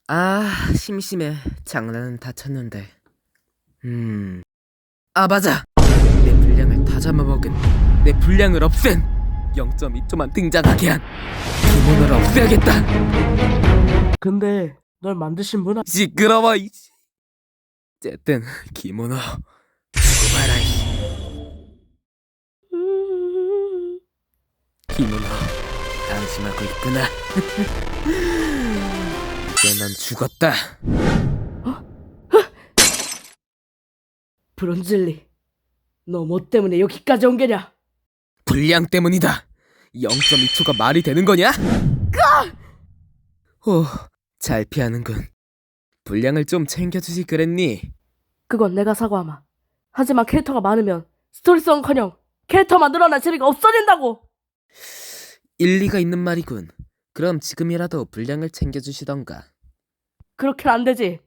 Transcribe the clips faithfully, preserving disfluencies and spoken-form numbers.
아, 심심해. 장난은 다 쳤는데. 음. 아, 맞아. 내 분량을 다 잡아먹은, 내 분량을 없앤 영 점 이 초만 등장하게 한 기모노를 없애야겠다. 근데 널 만드신 분은 시끄러워. 이씨. 어쨌든 기모노 죽어봐라. 이씨. 기모노 안심하고 있구나. 이제 넌 죽었다. 브론즐리, 너 뭐 때문에 여기까지 온 게냐? 분량 때문이다. 영 점 이 초가 말이 되는 거냐? 오, 잘 피하는군. 분량을 좀 챙겨주지 그랬니? 그건 내가 사과하마. 하지만 캐릭터가 많으면 스토리성커녕 캐릭터만 늘어날 재미가 없어진다고. 일리가 있는 말이군. 그럼 지금이라도 분량을 챙겨주시던가. 그렇게는 안 되지.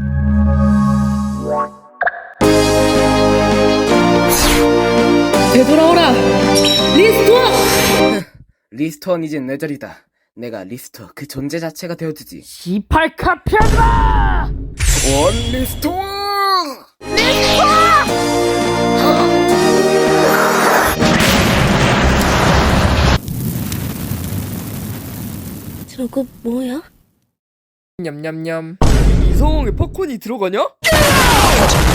되돌아오라, 리스토어! 리스토어는 이젠 내 자리다. 내가 리스토어 그 존재 자체가 되어주지. 시팔 카피아드라! 원 리스토어! 저거 뭐야? 냠냠냠. 이 상황에 팝콘이 들어가냐?